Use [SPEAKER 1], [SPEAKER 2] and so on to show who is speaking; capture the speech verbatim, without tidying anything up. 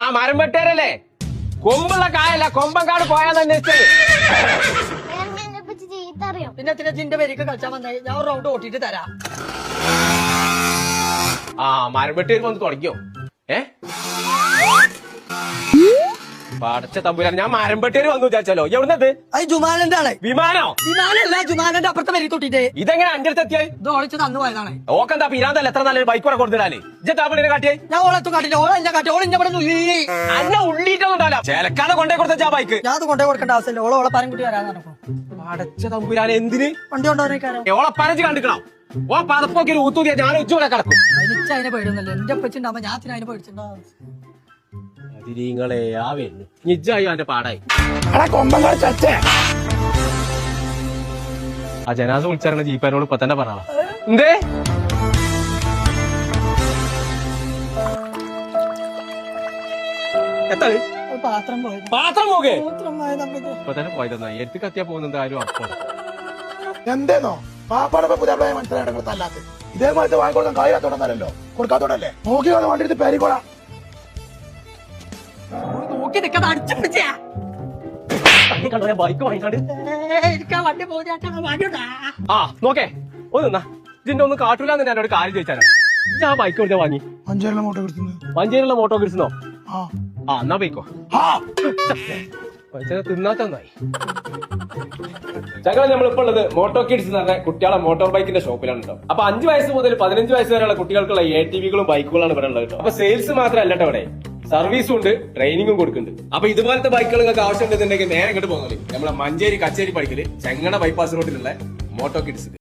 [SPEAKER 1] മരം വെട്ടേരല്ലേ? കൊമ്പുള്ള കായല്ല, കൊമ്പങ്കാട് പോയാന്ന് അന്വേഷിച്ചത്.
[SPEAKER 2] പിന്നെ പിന്നെ ജിന്റെ പേരേക്ക് കളിച്ചാൽ വന്നായി ഞാൻ ഒരു റൗണ്ട് ഓട്ടിട്ട് തരാം.
[SPEAKER 1] ആ മരം വെട്ടേര് വന്ന് തുടങ്ങിയോ? ഏ പടച്ച തമ്പുരാൻ, ഞാൻ മരം വെട്ടേര് വന്നു വിചാരിച്ചാലോ. എവിടുന്നത്?
[SPEAKER 2] അത് ജുമാനന്റെ ആളെ.
[SPEAKER 1] വിമാനോ?
[SPEAKER 2] വിമാനല്ല, ജുമാനന്റെ അപ്പുറത്തെ പേര് തൊട്ടിട്ട്.
[SPEAKER 1] ഇതെങ്ങനെ അഞ്ചടുത്ത് എത്തിയായി?
[SPEAKER 2] ഇത് ഓളിച്ച് തന്നു പോയതാണ്.
[SPEAKER 1] ഓക്കെന്താ പിരാന്തല്ല, എത്ര നല്ലൊരു ബൈക്ക് കൂടെ കൊടുത്തിടാനേ. ഇജ്ജാപ്പിനെ കാട്ടിയേ?
[SPEAKER 2] ഞാൻ ഓളെത്തും കാട്ടില്ല, ഓളെ എന്നെ കാട്ടി, ഓളെ ഇവിടെ
[SPEAKER 1] അന്ന ഉള്ളിട്ടൊന്നുണ്ടല്ലോ. ചേലക്കാതെ കൊണ്ടേ കൊടുത്ത ബൈക്ക്
[SPEAKER 2] ഞാൻ അത് കൊണ്ടേ കൊടുക്കേണ്ട ആവശ്യമില്ല. ഓളെ ഓളെ പരം കുട്ടി വരാന്ന് പറഞ്ഞപ്പോ
[SPEAKER 1] പടച്ച തമ്പുരാൻ എന്തിന്
[SPEAKER 2] വണ്ടി കൊണ്ടുപോകാനേക്കാരോ.
[SPEAKER 1] ഓളെ പരച്ച് കണ്ടിക്കണം. ഓ പതപ്പൊക്കെ ഒരു ഊത്തൂതിയാ ഞാൻ ഉച്ചൂടെ കിടക്കും.
[SPEAKER 2] എനിക്ക് അതിനെ പേടുന്നല്ലേ. എന്റെ പച്ചുണ്ടാവുമ്പോ ഞാൻ അതിനെ പേടിച്ചിട്ടുണ്ടാവും.
[SPEAKER 1] നിങ്ങളെ ആവേന്ന് നിജായി അവന്റെ പാടായി. ആ ജനാസ വിളിച്ചാരണ ജീപ്പാനോട് ഇപ്പൊ തന്നെ പറഞ്ഞ എന്തേ എത്താ
[SPEAKER 2] പാത്രം പോയത്.
[SPEAKER 1] പാത്രം പോകെ
[SPEAKER 2] മൂത്രം പോയത് നമുക്ക്.
[SPEAKER 1] ഇപ്പൊ തന്നെ പോയതെന്നാ എടുത്ത് കത്തിയാ പോകുന്നത് ആരും അപ്പൊ
[SPEAKER 3] എന്തേന്നോ പാപ്പാടെ പുതിയ മനസ്സിലായിട്ട് ഇതേമാതിരി വാങ്ങിക്കൊടുക്കാൻ കായാത്തോടന്നല്ലോ കൊടുക്കാത്തോടല്ലേ നോക്കി വണ്ടി എടുത്ത് പേരിക്കോളാം.
[SPEAKER 2] നോക്കി നിൽക്കാതെ അടിച്ചു പിടിച്ചാ
[SPEAKER 1] ബൈക്ക് വാങ്ങിക്കാണ്ട്
[SPEAKER 2] എനിക്ക് ആ വണ്ടി പോകാ.
[SPEAKER 1] ആ നോക്കേ ഒന്നാ ഇതിന്റെ ഒന്നും കാട്ടൂലെന്ന് ഞാൻ ഒരു കാര്യം ചോദിച്ചാലോ. ഞാൻ ബൈക്ക് കൊടുത്താ വാങ്ങി
[SPEAKER 3] മഞ്ചേരിയിലെ മോട്ടോ കിട്ടുന്നത്
[SPEAKER 1] മഞ്ചേരിയുള്ള മോട്ടോ കിട്ടുന്നോ?
[SPEAKER 3] ആ
[SPEAKER 1] ആ എന്നാ പോയിക്കോ. തിന്നാത്തന്നായി. ഞങ്ങൾ നമ്മളിപ്പോ ഉള്ളത് മോട്ടോ കിഡ്സ് എന്ന് പറഞ്ഞ കുട്ടികളെ മോട്ടോർ ബൈക്കിന്റെ ഷോപ്പിലാണ് കേട്ടോ. അപ്പൊ അഞ്ചു വയസ്സ് മുതൽ പതിനഞ്ച് വയസ്സ് വരെയുള്ള കുട്ടികൾക്കുള്ള എ ടി വികളും ബൈക്കുകളാണ് ഇവിടെ ഉള്ളത് കേട്ടോ. അപ്പൊ സെയിൽസ് മാത്രമല്ല കേട്ടോ, ഇവിടെ സർവീസും ഉണ്ട്, ട്രെയിനിങ്ങും കൊടുക്കുന്നുണ്ട്. അപ്പൊ ഇതുപോലത്തെ ബൈക്കുകൾ നിങ്ങൾക്ക് ആവശ്യമുണ്ടെന്നുണ്ടെങ്കിൽ നേരെ ഇങ്ങോട്ട് പോകുന്നത് നമ്മളെ മഞ്ചേരി കച്ചേരി പഠിക്കല് ചെങ്ങണ ബൈപ്പാസ് റോഡിലുള്ള മോട്ടോ കിഡ്സ്.